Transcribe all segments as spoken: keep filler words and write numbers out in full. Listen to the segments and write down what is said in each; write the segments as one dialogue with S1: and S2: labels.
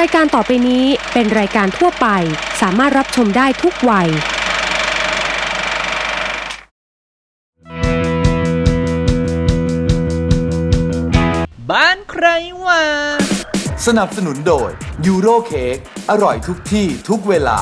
S1: ายการต่อไปนี้เป็นรายการทั่วไปสามารถรับชมได้ทุกวัย
S2: บ้านใครวะ
S3: สนับสนุนโดยยูโรเค้กอร่อยทุกที่ทุกเวลา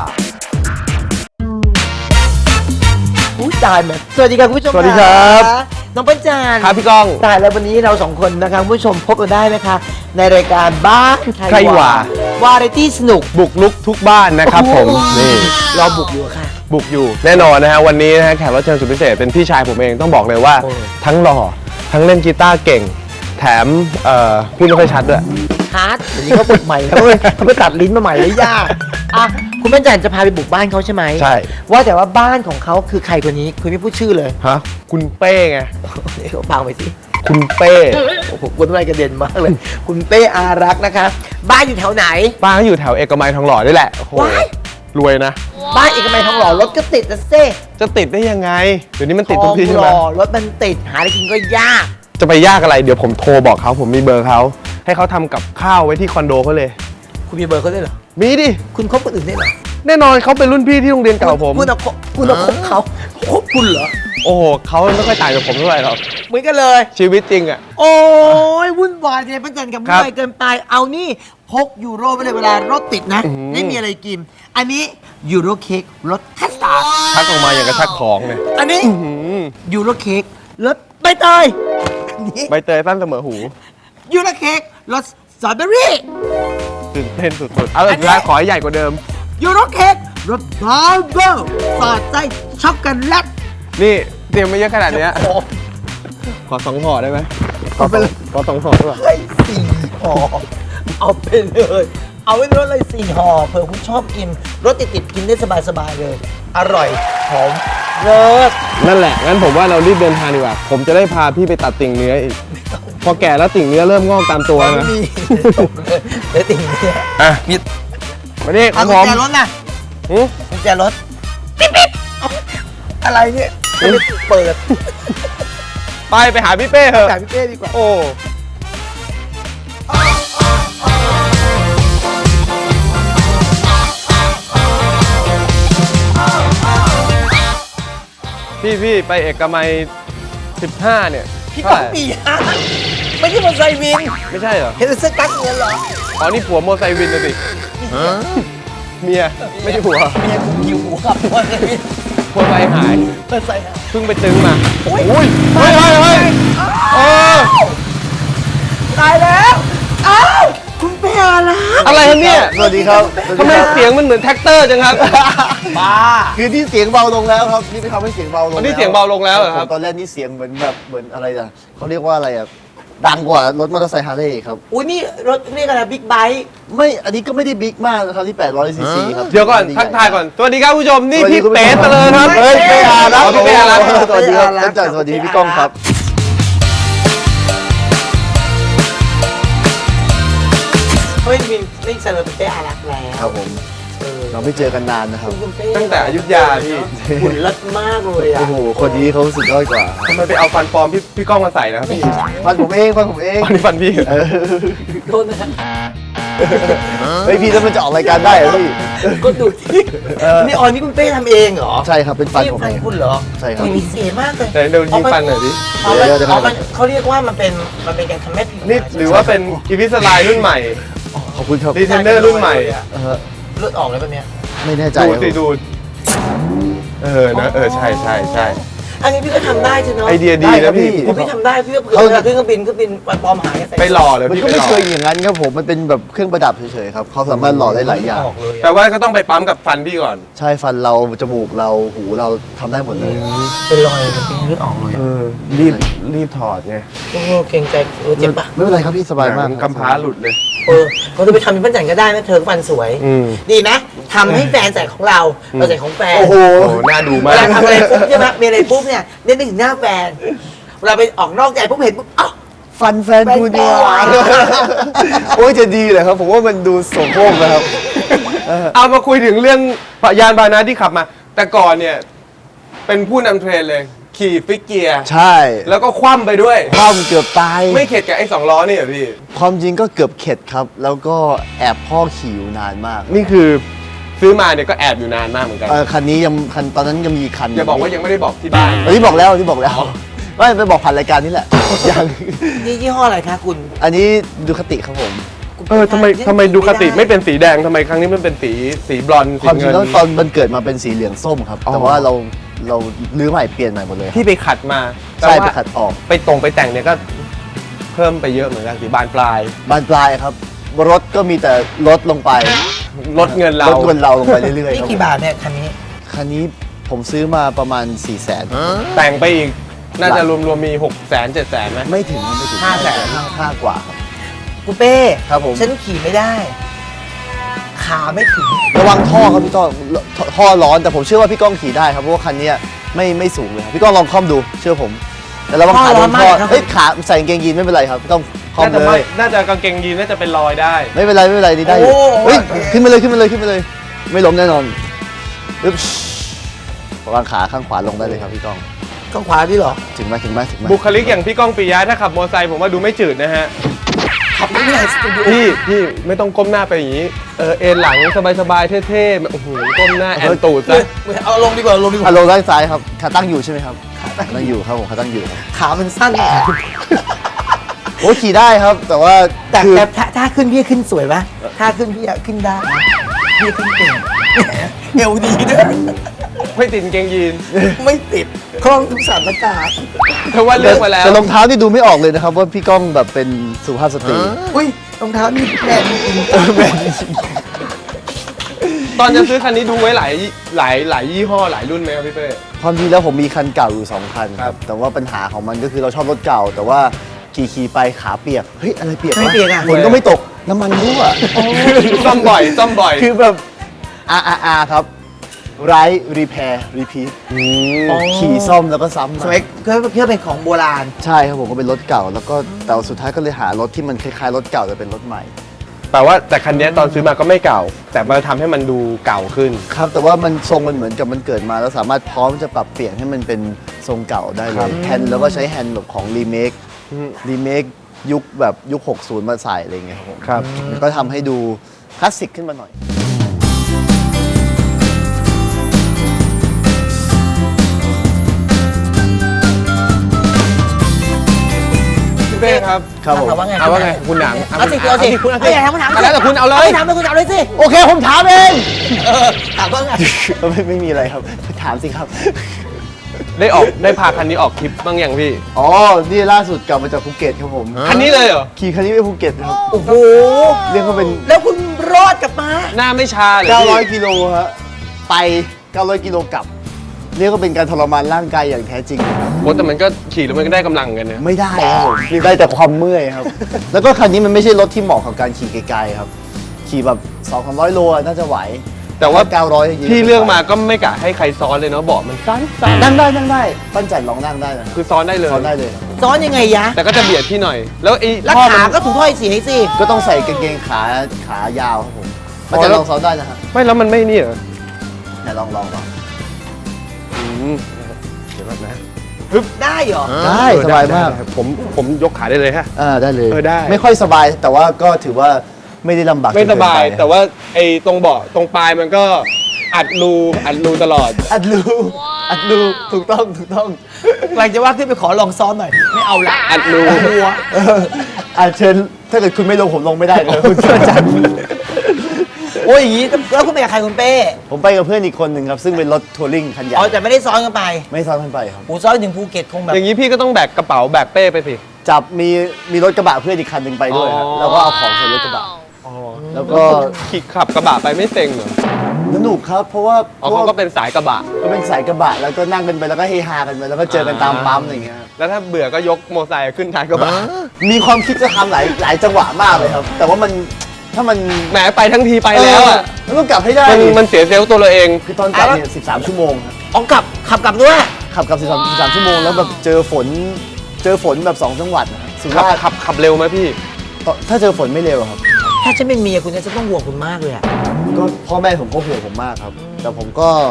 S4: อู้ตายแบบสวัสดีครับคุณผู้ชม
S5: สวัสดีครับ
S4: น้องปัญจาน
S5: ครับพี่ก้อง
S4: ตายแล้ววันนี้เราสองคนนะคะคุณผู้ชมพบกันได้นะคะในรายการบ้านใคร
S5: ใครวะ
S4: วาไรตี้สนุก
S5: บุกลุกทุกบ้านนะครับผมนี่
S4: เราบุกอยู่ค่ะ
S5: บุกอยู่แน่นอนนะฮะวันนี้นะฮะแขกรับเชิญสุดพิเศษเป็นพี่ชายผมเองต้องบอกเลยว่า
S4: โอ้
S5: ทั้งหล่อทั้งเล่นกีตาร์เก่ง แถมเอ่อพูดไม่ค่อยชัดด้วย
S4: ฮาร์ดเดี๋ยวนี้เขาฝึกใหม่เขาไปเขาไปตัดลิ้นมาใหม่เลยยากอ่ะคุณปัญจานจะพาไปบุกบ้านเขาใช่ไหม
S5: ใช่
S4: ว่าแต่ว่าบ้านของเขาคือใครคนนี้คุณไม่พูดชื่อเลย
S5: ฮะคุณเป้ไง
S4: เดี๋ยวฟังไปสิ
S5: คุณเป้
S4: โอ้โหคุณอะไรกระเด็นมากเลย คุณเป้อารักษ์นะคะ บ้านอยู่แถวไหน
S5: บ้านเขาอยู่แถวเอกมัยทองหล่อนี่แหละโอ้โห
S4: ว้าย
S5: รวยนะ
S4: บ้านเอกมัยทองหล่อรถก็ติดนะเซ่
S5: จะติดได้ยังไงเดี๋ยวนี้มันติดทุกที่ใช่ไหม
S4: ทองหล่อรถมันติดหาอะไรกินก็ยาก
S5: จะไปยากอะไรเดี๋ยวผมโทรบอกเขาผมมีเบอร์เขาให้เขาทำกับข้าวไว้ที่คอนโดเขาเลย
S4: คุณมีเบอร์เขาด้วยเหรอ
S5: มีดิ
S4: คุณคบคนอื่นได้เหรอ
S5: แน่นอนเขาเป็นรุ่นพี่ที่โรงเรียนเก่าผม
S4: คุณเอาคบคุณเอาคบเขาคบคุณเหรอ
S5: โอ้โหเขาไม่ค่อยต่างจากผมเท่าไหร่หรอก
S4: เหมือนกันเลย
S5: ชีวิตจริงอ่ะ
S4: โอ้ยวุ่นวายเลยประจันกับ
S5: ครับ
S4: วุ่นวายเกินไปเอานี่พกยูโรไปเลยเวลารถติดนะ
S5: อื้อหือ
S4: ไม่มีอะไรกิน อันนี้ยูโรเค้กรสคัสตาร์ด
S5: ชักออกมาอย่างกระชักของเนี่ย
S4: อันนี้
S5: อื้อหือ
S4: ยูโรเค้กรสใบเตยอันนี้
S5: ใบเตยสั้นเสมอหู
S4: ยูโรเค้กรสสตรอเบอรี่
S5: ตื่นเต้นสุดๆ เอา
S4: อันนี้
S5: สุดท้ายขอให้ใหญ่กว่าเดิม
S4: ยูโรเค้กรสบาร์เบิลสอดไส้ช็อกโกแลต
S5: นี่เตรียมมาเยอะขนาดเนี้ย
S4: โอ้
S5: ขอสองห่อได้ไหม
S4: เอาไปเลย
S5: ขอสองห่อด้วย
S4: เฮ้ยสี่ห่อเอาไปเลย เอาไว้รถเลยสี่ห่อเผื่อคุณชอบกิน รถติดๆกินได้สบายๆเลย อร่อยหอมเลิศ
S5: นั่นแหละ งั้นผมว่าเรารีบเดินทางดีกว่า ผมจะได้พาพี่ไปตัดติ่งเนื้ออีก พอแก่แล้วติ่งเนื้อเริ่มงอกตามตัว
S4: ไม่
S5: นะ
S4: มีจบเลยเดี๋ยวติ่งเนี่ย
S5: อ่ะ
S4: มี
S5: มานี่ขอ
S4: เอา
S5: ง
S4: กุ
S5: ผ
S4: ญ
S5: ม
S4: แจรถนะ
S5: หือ
S4: กุญแจรถปิ๊บปิ๊บเอาอะไรเนี่ยไม่ได้เปิด
S5: ไปไปหาพี่เป้เถอะ
S4: แต่พี่เป้ดีกว่า
S5: โอ้ พี่พี่ไปเอกมัยสิบห้าเนี่ย
S4: พี่
S5: เท่า
S4: ก้อง
S5: ไหร่
S4: ปีฮะไม่ใช่มอเตอร์ไซค์วิน
S5: ไม่ใช่เหรอ
S4: เห็นเสื้อกั๊กเงี้ยเหรอ
S5: อ๋อ นี่ผัวโมอไซค์วินนะสิเมีย ไม่ใช่ผัว
S4: เมียกูคิวหัวขับมอเตอร์ไซค์วิน
S5: ผัวไซค์หาย
S4: มอเตอร์ไซค์ฮะ
S5: เพิ่งไปตึงมา
S4: โอ้ย
S5: อุ้ยเฮ้ยเฮ้ยเฮ้ยเออ
S4: ตายแล้วอ้าวคุณเป้อารักษ์
S5: อะไรครับเนี่ย
S6: สวัสดีครับ
S5: ทำไมเสียงมันเหมือนแท็กเตอร์จังครับ
S4: บ้า
S6: คือที่เสียงเบาลงแล้วครับนี่ไปทำให้เสียงเบาลง
S5: อ๋อนี่เสียงเบาลงแล้วเหรอครับ
S6: ตอนแรกนี่เสียงเหมือนแบบเหมือนอะไรอ่ะเขาเรียกว่าอะไรอ่ะดังกว่ารถมอเตอร์ไซค์ฮาร์เลย์ครับ
S4: อุ้ยนี่รถเรียกอะไรบิ๊กไบค์
S6: ไม่อันนี้ก็ไม่ได้บิ๊กมากนะครับที่แปดร้อยซีซีครับ
S5: เดี๋ยวก่อนทักทายก่อน สวัสดีครับผู้ชม นี่พี่เป๋เตลอครับ
S6: เฮ้ยเป้อารักษ์
S5: อ๋อพี่เป้อารักษ์
S6: สวัสดีครับอาจารย์สวัสดีพี่ก้องครับ
S4: เฮ้ยมินนี่เซเลบริตี้อารักษ์แล้ว
S6: ครับผม
S4: เออ
S6: เราไม่เจอกันนานนะครับ
S4: คุณเป้
S5: ตั้งแต่อยุธยาพี่
S4: หุ่นเลิศมากเลยอ่ะ
S6: โอ้โหคนนี้เขาสุดยอดกว่า
S5: ทำไมไปเอาฟันปลอมพี่พี่ก้องมาใส่นะครับพี่
S6: ฟันผมเองฟันผมเอง
S5: อันนี้ฟันพี่เหรอ
S6: เออ
S4: โทษนะครับ
S6: เฮ้ยพี่แล้วมันจะออกรายการได้เหรอพี่
S4: ก็ดูที่นี่ออนนี่คุณเป้ทำเองเหรอ
S6: ใช่ครับเป็นฟัน
S4: นี่
S6: ผม
S4: ฟัน
S6: เอง
S4: คุณเหรอ
S6: ใช่ครับ
S4: มีเสียมากเลย
S5: ไหนเดี๋ยวยิงฟันหน่อยดิ
S4: อ๋อมัน
S6: เดี๋ยวเดี๋ยว
S4: อ๋อมันเขาเรียกว่ามันเป็นมันเป็นการทำให้ผิว
S5: นี่หรือว่าเป็นอีวิสไลน์รุ่นใหม่
S6: ขอบคุณครับ
S5: ดีเทนเนอร์รุ่นใหม่
S6: เออ
S4: เลือดออกเลยแบบเนี้ย
S6: ไม่แน่ใจ
S5: ดู
S6: ครับ
S5: สิดูเออนะเออใช่ใช่ใช่
S4: อันนี้พี่ก็ทำได้ใช่ไหม
S5: ไอเดียดีนะพี่
S4: ผมพี่ทำได้พี่ก็เผื่อเวลาขึ้นเครื่องบินเครื่องบินปลอมหายใส่
S5: ไปหล่อเลย
S6: มัน
S5: พี่
S6: ก็
S5: ไป
S6: ไม่
S5: หล่อ
S6: เคยอย่างนั้นครับผมมันเป็นแบบเครื่องประดับเฉยๆครับเขาสามารถหล่อได้หลายอย่าง
S4: ออกเลย
S5: แต่ว่าก็ต้องไปปั๊มกับฟันพี่ก่อน
S6: ใช่ฟันเราจมูกเราหูเราทำได้หมดเลย
S4: เป็นรอยมันเป็นเลือดออกเลย
S5: เออรีบรีบถอดไง
S4: โอ้โหเกรงใจเออเจ็บปะ
S6: ไม่เป็นไรครับพี่สบายมาก
S5: กำพร้าหลุดเลย
S4: เออเขาจะไปทำเป็นปั้นจันก็ได้นะเธอก็ฟันสวย
S5: อืม
S4: ดีไหมทำให้แฟนใส่ของเราเราใส่ของแฟน
S6: โอ้โห
S5: โอ้น่าดู
S4: เว
S5: มาก
S4: ลาทำอะไรปุ๊บใช่ไหมมีอะไรปุ๊บเนี่ยเน้นถึงหน้าแฟนเวลาไปออกนอกใจปุ๊บเห็นปุ๊บอ้าว
S6: ฟันแฟนคุณ
S4: แฟน
S6: ดี
S4: แฟน
S6: โอ้ยจะดีเลยครับ ผมว่ามันดูโสโครกนะครับ
S5: เอามาคุยถึงเรื่องยานพาหนะที่ขับมา แต่ก่อนเนี่ย เป็นผู้นำเทรนเลย ขี่ขี่ฟิกเกียร์
S6: ใช่
S5: แล้วก็คว่ำไปด้วย
S6: ความเกือบตาย
S5: ไม่เข็ดกับไอ้สองล้อนี่เหรอพี่
S6: ความจริงก็เกือบเข็ดครับ แล้วก็แอบพ่อขี่อยู่นานมาก
S5: นี่คือซื้อมาเนี่ยก็แอบอยู่นานมากเหมือนกัน
S6: เออคันนี้ยังคันตอนนั้นยังมีอีกคัน
S5: อย่าบอกว่ายังไม่ได้บอกที่บ้าน
S6: เออที่บอกแล้วที่บอกแล้วไม่ไปบอกผ่านรายการนี่แหละ ยัง
S4: นี่ยี่ห้ออะไรคะคุณ
S6: อันนี้ดูคติครับผม
S5: เออทำไมทำไมดูคติไม่เป็นสีแดงทำไมครั้งนี้มันเป็นสีสีบลอนด์
S6: ค
S5: สี
S6: วามจริ
S5: เงิ
S6: ง
S5: น
S6: แล้วตอนมันเกิดมาเป็นสีเหลืองส้มครับ
S5: อ๋อ
S6: แต่ว่าเราเราลื้อใหม่เปลี่ยนใหม่หมดเลยครับ
S5: พี่ไปขัดมา
S6: ใช่
S5: แต่
S6: ไป
S5: ว่า
S6: ขัดออก
S5: ไปตรงไปแต่งเนี่ยก็เพิ่มไปเยอะเหมือนกันสีบานปลาย
S6: บานปลายครับ รถก็มีแต่ลดลงไป
S5: ลดเงินเรา
S6: ลดเงินเราลงไปเรื่อยๆ
S4: นี่
S6: ครับ
S4: กี่บาทเนี่ยคันนี้
S6: คันนี้ผมซื้อมาประมาณ4ี่แสน
S5: แต่งไปอีกน่าจะรวมๆมีหกแสนเจ็ดแสนไหม
S6: ไม่ถึงไม่ถึง
S4: ห้าแสน
S6: ห้าห้ากว่าครับ
S4: คุณเป้
S6: ครับผม
S4: ฉันขี่ไม่ได้ ขาไม่ถึง
S6: ระวังท่อครับพี่ก้องท่อท่อร้อนแต่ผมเชื่อว่าพี่ก้องขี่ได้ครับเพราะว่าคันนี้ไม่ไม่สูงเลยครับพี่ก้องลองคล่อมดูเชื่อผม แต่ระวังขาโดนท่อเฮ้ยขาใส่กางเกงยีนไม่เป็นไรครับพี่ก้องคล่อม
S5: น่าจะ
S6: เล
S5: ไม่
S6: ย
S5: น่าจะกางเกงยีนน่าจะเป็นรอยได้
S6: ไม่เป็นไรไม่เป็นไรนี่ได้อยู่เฮ้ยขึ้นมาเลยขึ้นมาเลยขึ้นมาเลย ไม่ล้มแน่นอนอึ๊บวางขาข้างขวาลงได้เลยครับพี่ก้อง
S4: ข้างขวาพี่เหรอ
S6: ถึงไหมถึงไหมถึงไหม
S5: บุคลิกอย่างพี่ก้องปิยะถ้าขับมอเตอร์ไซค์ผมว่าดูไม่จืดนะฮะ
S4: ขับไม่ได้สตูดิโอ
S5: พี่พี่ไม่ต้องก้มหน้าไปอย่างนี้ เออเอ็นหลังสบายๆเท่ๆแบบโอ้โหก้มหน้าแอนตูดซะ
S4: เอาลงดีกว่าลงดีก
S6: อ่ะ
S4: ว่า
S6: ลงด้านซ้ายครับขาตั้งอยู่ใช่ไหมครับขาตั้งอยู่ครับผมขาตั้งอยู่ครับ
S4: ขามันสั้น
S6: โอ้ขี่ได้ครับ แต่ว่า
S4: แต่
S6: คือ
S4: แต่ถ้าถ้าขึ้นพี่ขึ้นสวยไหมถ้าขึ้นพี่อะขึ้นได้พี่ขึ้นเก่งเอวดีด้วย
S5: ไม่ติดกางเกงยีน
S4: ไม่ติดคล่องทุกสถานการณ์
S5: เพราะว่าเลือกมาแล้ว
S6: แต่รองเท้านี่ดูไม่ออกเลยนะครับ ว่าพี่ก้องแบบเป็นสุภาพสตรี
S4: อุ้ยรองเท้านี่แบรนด์จริง
S6: แบรนด์จริง
S5: ตอนจะซื้อคันนี้ดูไว้หลายหลายหลายยี่ห้อหลายรุ่นไหมครับพี่เป้
S6: ความจริงแล้วผมมีคันเก่าอยู่สองคันค
S5: ครั
S6: รับ
S5: บ
S6: แต่ว่าปัญหาของมันก็คือเราชอบรถเก่า แต่ว่าขี่ขี่ไปขาเปียกเฮ้ยอะไรเปียก
S4: ไม่
S6: วะ
S4: เปลี่ยนอ่ะ
S6: ฝนก็ไม่ตกน้ำมันรั่ว
S5: ซ่อมบ่อยซ่อมบ่อย
S6: คือแบบ R R R ครับไรรีแพร์รีพีทขี่ซ่อมแล้วก็ซ้ำ
S4: สมัยเพื่อเพื่อเป็นของโบราณ
S6: ใช่ครับผมก็เป็นรถเก่า แล้วก็แต่ว่าสุดท้ายก็เลยหารถที่มันคล้ายๆรถเก่าแต่เป็นรถใหม่
S5: แปลว่าแต่คันนี้ตอนซื้อมาก็ไม่เก่า แต่มาทำให้มันดูเก่าขึ้น
S6: ครับ แต่ว่ามันทรงมันเหมือนกับมันเกิดมาแล้วสามารถพร้อมจะปรับเปลี่ยนให้มันเป็นทรงเก่าได้เลยแฮนด์แล้วก็ใช้แฮนด์แบบของรีเมค
S5: อืม
S6: รีเมคยุคแบบยุค หกสิบ มาใส่อะไรอย่างเงี้ยครับผม
S5: ครับ
S6: มันก็ทำให้ดูคลาสสิกขึ้นมาหน่อย
S5: พี่เป้ครับ
S6: ครับผม
S4: ถามว่าไง
S5: เอาว่าไงคุณหนัง
S4: เอาสิเอาสิ
S5: คุณเอาสิ
S4: เอาอย่าถามคำถาม
S5: แล้วแต่คุณเอาเลย
S4: ถามเลยคุณถามเลยสิ
S6: โอเคผมถามเอง
S4: เออถามว่าไง
S6: ไม่ไม่มีอะไรครับ ถามสิครับ
S5: ได้ออกได้พาคันนี้ออกทริปบ้างยังพี่
S6: อ๋อ นี่ล่าสุดกลับมาจากภูเก็ตครับผม
S5: คันนี้เลยเหรอ
S6: ขี่คันนี้ไปภูเก็ตครับ
S4: โอ้โห
S6: เรียกว่าเป็น
S4: แล้วคุณรอดกลับมา
S5: หน้าไม่ชาเลยพี่
S6: เก้าร้อยกิโลฮะไป เก้าร้อยกิโลกลับ เรียกว่าเป็นการทรมานร่างกายอย่างแท้จริงครับ
S5: โอ้แต่มันก็ขี่แล้วมันก็ได้กำลังกันนะ
S6: ไม่ได้ครับผมได้แต่ความเมื่อยครับ แล้วก็คันนี้มันไม่ใช่รถที่เหมาะกับการขี่ไกลๆครับ ขี่แบบสองสามร้อยโลอะน่าจะไหว
S5: แต่ว่า
S6: เก้าร้อย
S5: พี่เลือกมาก็ไม่กะให้ใครซ้อนเลยเนาะเบาะมันสั้น
S6: นั่งได้นั่งได้ปั้นจัดลองนั่งได้นะ
S5: ๆคือซ้อนได้เลย
S6: ซ้อนได้เลย
S4: ซ้อนยังไงยะ
S5: แต่ก็จะเบียดพี่หน่อย แล้วไอ้
S4: แล้ว
S5: ท่อ
S4: ขา
S5: มัน
S4: ก็ถูกถ้อยเสียให้สิ ก็
S6: ก็ต้องใส่กางเกงขาขายาวครับผมปั้นจัดลองซ้อนได้นะฮะ
S5: ไม่แล้วมันไม่นี่เหรอ
S6: ไหนลองลองลอง
S5: อืมเดี๋ยวก่อนนะ
S4: ได้เหรอ
S6: ได้
S5: เออ
S6: สบายมาก
S5: ได้ผมผมยกขาได้เลยฮะ
S6: อ่าได้เลย
S5: เออได้
S6: ไม่ค่อยสบายแต่ว่าก็ถือว่าไม่ได้ลำบาก
S5: ไม่สบาย
S6: จนเกินป
S5: แต่ว่าไอ้ตรงเบาะตรงปลายมันก็อัดรูอัดรูตลอด
S6: อัดรูอัดรูถูกต้องถูกต้อง
S4: หลังจะว่าขึ้นไปขอลองซ้อนหน่อย ไม่เอาละ
S5: อัดรู
S4: หัว
S6: เอออาเชิญถ้าเกิดคุณไม่ลงผมลงไม่ได้เลยคุณเชื่อจัง
S4: โอ้ยอย่างนี้แล้วคุณไปกับใครคุณเป้
S6: ผมไปกับเพื่อนอีกคนหนึ่งครับ ซึ่งเป็นรถทัวริงคันใหญ่
S4: อ๋อแต่ไม่ได้ซ้อนกันไป
S6: ไม่ซ้อนกันไปครับ
S4: โอ้ซ้อนถึงภูเก็ตคงแบบ
S5: อย่างนี้พี่ก็ต้องแบกกระเป๋าแบกเป้ไปสิ
S6: จับมีมีรถกระบะเพื่อนอีกคันหนึ่งไปด้วยครับ
S5: อ๋อ
S6: แล้วก็เอาของใส่รถกระบะ
S5: อ๋อ
S6: แล้วก็
S5: ขี่ขับกระบะไปไม่เซ็งเหรอ
S6: สนุกครับเพราะว่า
S5: อ๋อเขาก็เป็นสายกระบะ
S6: ก็เป็นสายกระบะแล้วก็นั่งกันไปแล้วก็เฮฮากันไปแล้วก็เจอกันตามปั๊มอะไรอย่างเงี้ยครับ
S5: แล้วถ้าเบื่อก็ยกโมอไซค์ขึ้นท้ายกระบะ
S6: มีความคิดจะทำหลายหลายจังหวะมากเลยครับ แต่ว่ามันถ้ามัน
S5: แหมไปทั้งทีไปแล้วอ่ะ
S6: เมันต้องกลับให้ได้
S5: มันมันเสียเซลล์ตัวเราเอง
S6: คือตอนกลับเนี่ยสิบสามชั่วโมงครับ
S4: อ๋อกลับขับกลับด้วย
S6: ขับกลับสิบสาม สิบสามชั่วโมงแล้วแบบเจอฝนเจอฝนแบบสองจังหวัดนะครับสุ
S5: ขับ
S6: ราษฎร์
S5: ขับขับเร็วไหมพี่
S6: ถ้าเจอฝนไม่เร็วครับ
S4: ถ้าฉันเป็นเมียคุณเนี่ยจะต้องห่วงคุณมากเลยอะ
S6: ก็พ่อแม่ผมก็ห่วงผมมากครับ แต่ผมก็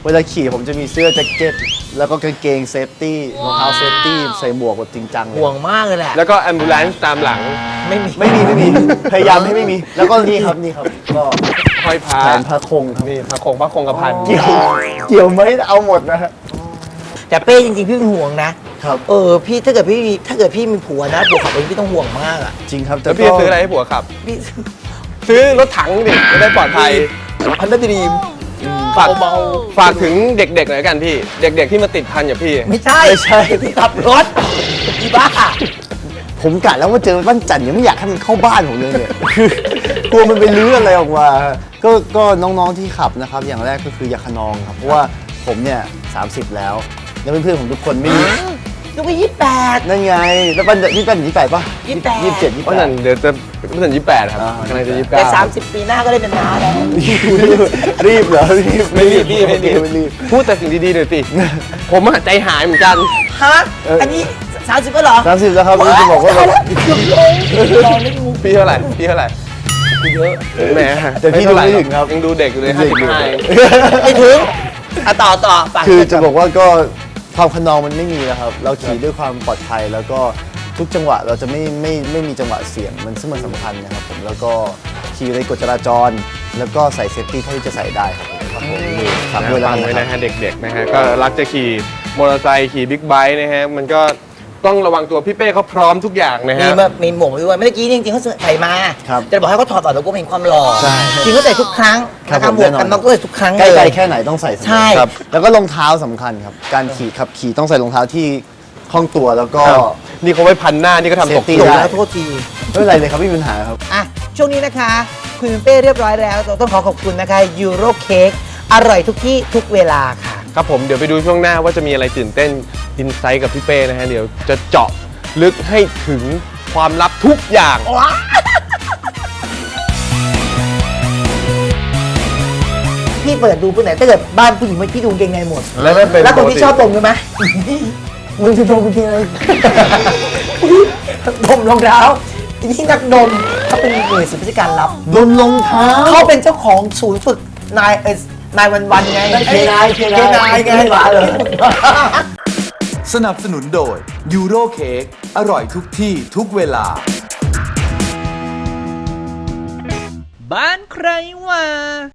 S6: เวลาขี่ผมจะมีเสื้อแจ็คเก็ตแล้วก็กางเกงเซฟตี้รองเท้าเซฟตี้ใส่หมวกแบบจริงจังเลย
S4: ห่วงมากเลยแหละ
S5: แล้วก็แอมบูเลนซ์ตามหลัง
S4: ไม่มี
S6: ไม่มีไม่มีพยายามให้ไม่มี แล้วก็นี่ครับนี่ครับก็
S5: ห้อยพระ
S6: แผนพระคงครับ
S5: นี่พระคงพระคงกระพัน
S6: เกี่ยวเกี่ยวไหมเอาหมดนะฮะ
S4: แต่เป้จริงๆพี่เป็นห่วงนะครับ เออพี่ถ้าเกิดพี่มีถ้าเกิดพี่มีผัวนะผัวขับเองพี่ต้องห่วงมากอ่ะ
S6: จริงครับ
S5: แล้วพี่จะซื้ออะไรให้ผัวขับ
S4: พี่
S5: ซื้อรถถังดิจะได้ปลอดภัย
S4: พันธุ์ดีม
S5: ฝาก
S4: เบา
S5: ฝากถึงเด็กๆหน่อยละกันพี่ เด็ก ๆที่มาติดพันอย่าพี่
S4: ๆไม่ใช่
S6: ไม่ใช่
S4: พี่ขับรถอีบ้า
S6: ผมกะแล้วว่าเจอบ้านจันทร์ยังไม่อยากให้มันเข้าบ้านผมเลยเนี่ย คือกลัวมันไปลื้ออะไรออกมาก็ก็น้องๆที่ขับนะครับ อย่างแรกก็คืออย่าขนองครับ เพราะว่าผมเนี่ยสามสิบแล้ว แล้วเพื่อนๆผมทุกคนไม่มี
S4: ลูกก็ยี่สิบแปด
S6: นั่นไง แล้วปันนี่ปันยี่แปดป่ะ
S4: ยี่สิบแปด
S6: ยี่สิบเจ็ดยี่สิบ
S5: เพราะ
S6: แป
S5: นั้
S6: ด
S5: นเดี๋ยวจะเพราะนั้นยี่สิบแปดครับ
S6: อ่า
S5: กำลังจะยี่สิบ
S4: แต่
S5: เก้า
S4: สามสิบปีหน้าก็ได้เป็นน้าแล้ว
S6: รีบเหรอรีบ
S5: ไม่รีบพี่ไม่รีบ
S6: ไม่รีบ
S5: พูดแต่สิ่งดีๆหน่อยสิ ผมอะใจหายเหมือนกัน
S4: ฮะอันนี้สามสิบก็เหรอ
S6: สามสิบแล้วครับนี่จะบอกว่าแบบ
S4: เกือบลงลองเล่นมุก
S5: พี่เท่าไหร่พี่เท่าไหร่เยอะแหม
S6: แต่พี่ดูไม่ถึงครับ
S5: ยังดูเด็กอยู่เลย
S6: เด็
S5: ห้าก สิบ
S6: อยู่
S5: ห้า
S4: ไม่ถึงอ่ะต่อต่อฝาก
S6: คือจะบอกว่าก็ความขนองมันไม่มีแล้วครับ เราขี่ด้วยความปลอดภัยแล้วก็ทุกจังหวะเราจะไม่ไม่ไม่มีจังหวะเสี่ยงมันซึ่งมันสำคัญนะครับผมแล้วก็ขี่ในกฎจราจร แล้วก็ใส่เซฟตี้เท่าที่จะใส่ได้ครับผมครับผมนี่ฝากด้วยแล้ว
S5: ฟั
S6: กั
S5: ง
S6: น
S5: ไว้
S6: นะ
S5: นะ
S6: ครั
S5: ฮะ
S6: บ
S5: เด็กๆนะฮะก็รักจะขี่มอเตอร์ไซค์ขี่บิ๊กไบค์นะฮะมันก็ต้องระวังตัวพี่เป้เขาพร้อมทุกอย่างนะ
S4: มี
S5: ฮะ
S4: มามีหมวกมาด้วยเมื่อกี้จริงๆเขาใส่มา
S6: ครับ
S4: จะบอกให้เขาถอดก่อนแล้วก็เห็นความหล่อ
S6: ใช่
S4: จริงเขาใส่ทุกครั้ง
S6: ครับ
S4: นะคะ
S6: ผม
S4: หมวก
S6: แน่นอน
S4: กันน็อกก็ใส่ทุกครั้ง
S6: ใกล้
S4: เลย
S6: ๆแค่ไหนต้องใส่เสมอ
S4: ใช่
S6: ครับแล้วก็รองเท้าสำคัญครับ การขี่ขับขี่ต้องใส่รองเท้าที่คล่องตัวแล้วก็
S5: ครับนี่เขาไว้พันหน้านี่ก็ทำตก
S6: Safety
S4: จบ
S6: ได้
S4: แล้วโทษที
S6: ไม่เป็นไรเลยครับไม่มีปัญหาครับ
S4: อ่ะช่วงนี้นะคะคุยเป็นเป้เรียบร้อยแล้วเราต้องขอขอบคุณนะคะยูโรเค้กอร่อยทุกที่ทุกเวลาค่ะ
S5: ครับผมเดี๋ยวไปดูช่วงหน้าว่าจะมีอะไรตื่นเต้นอินไซต์กับพี่เป้นะฮะเดี๋ยวจะเจาะลึกให้ถึงความลับทุกอย่าง
S4: พี่เปิดดูผู้ไหนถ้าเกิดบ้านผู้หญิงพี่ดูกางเกงในหมด
S5: แล้วไม่เป็น
S4: แล้วคน
S5: ปก
S4: ที่
S5: ติ
S4: ชอบดมใช่ไหมมึงจะดมกูทีไรดมรองเท้าทีนี้นักดมเขาเป็นหน่วยสืบราชการลับ
S6: ดมรองเท้า
S4: เขาเป็นเจ้าของศูนย์ฝึกนายเอ่อนายวันวันๆไง
S6: เคนายเคนาย
S4: เคนายไง
S6: ไม่มาเลย
S3: สนับสนุนโดยยูโรเค้กอร่อยทุกที่ทุกเวลา
S2: บ้านใครว่า